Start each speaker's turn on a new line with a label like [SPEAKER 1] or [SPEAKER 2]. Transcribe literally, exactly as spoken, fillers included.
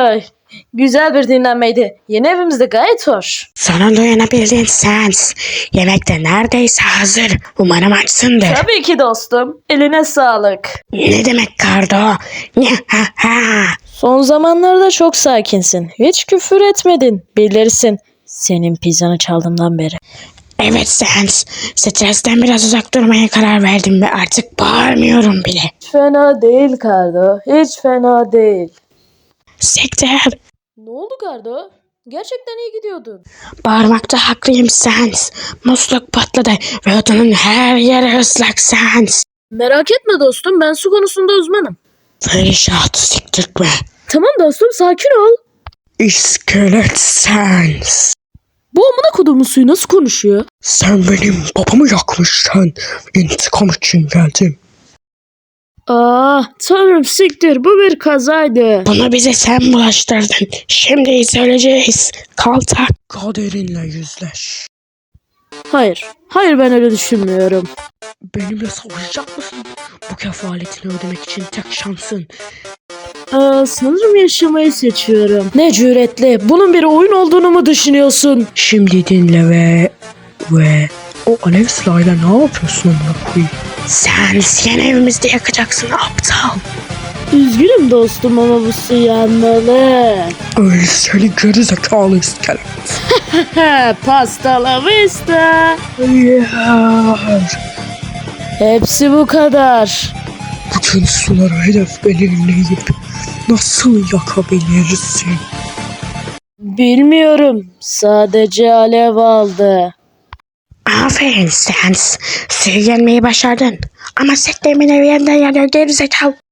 [SPEAKER 1] Ay, güzel bir dinlenmeydi. Yeni evimiz de gayet hoş.
[SPEAKER 2] Sonunda uyanabildin Sans. Yemek de neredeyse hazır. Umarım açsındır.
[SPEAKER 1] Tabii ki dostum. Eline sağlık.
[SPEAKER 2] Ne demek Kardo?
[SPEAKER 1] Son zamanlarda çok sakinsin. Hiç küfür etmedin. Bilirsin. Senin pizzanı çaldığımdan beri.
[SPEAKER 2] Evet Sans. Stresten biraz uzak durmaya karar verdim ve artık bağırmıyorum bile.
[SPEAKER 1] Hiç fena değil Kardo. Hiç fena değil.
[SPEAKER 2] Sektör.
[SPEAKER 1] Ne oldu Kardo? Gerçekten iyi gidiyordun.
[SPEAKER 2] Bağırmakta haklıyım Sans. Musluk patladı ve odanın her yeri ıslak Sans.
[SPEAKER 1] Merak etme dostum. Ben su konusunda uzmanım.
[SPEAKER 2] Perişat siktirtme.
[SPEAKER 1] Tamam dostum, sakin ol.
[SPEAKER 2] İskelet Sans.
[SPEAKER 1] Bu amına kodumun suyu nasıl konuşuyor?
[SPEAKER 2] Sen benim babamı yakmışsın. İntikam için geldim.
[SPEAKER 1] Ah tanrım siktir, bu bir kazaydı.
[SPEAKER 2] Bunu bize sen bulaştırdın. Şimdi söyleyeceğiz. Kaltak. Kaderinle yüzleş.
[SPEAKER 1] Hayır. Hayır, ben öyle düşünmüyorum.
[SPEAKER 2] Benimle savaşacak mısın? Bu kefaletini ödemek için tek şansın.
[SPEAKER 1] Aa, sanırım yaşamayı seçiyorum. Ne cüretli. Bunun bir oyun olduğunu mu düşünüyorsun?
[SPEAKER 2] Şimdi dinle ve... Ve... O alev silahıyla ne yapıyorsun amına koyayım? Sen seni evimizde yakacaksın aptal.
[SPEAKER 1] Üzgünüm dostum ama bu su yanmalı.
[SPEAKER 2] Öyle seni geri zekalı iskelet.
[SPEAKER 1] Pasta la vista.
[SPEAKER 2] Hayır.
[SPEAKER 1] Hepsi bu kadar.
[SPEAKER 2] Bütün suları hedef belirleyip nasıl yakabilirsin?
[SPEAKER 1] Bilmiyorum. Sadece alev aldı.
[SPEAKER 2] Aferin Sans. Suyu yenmeyi başardın. Ama seklemin evi yeniden yanıyor geri zekalı.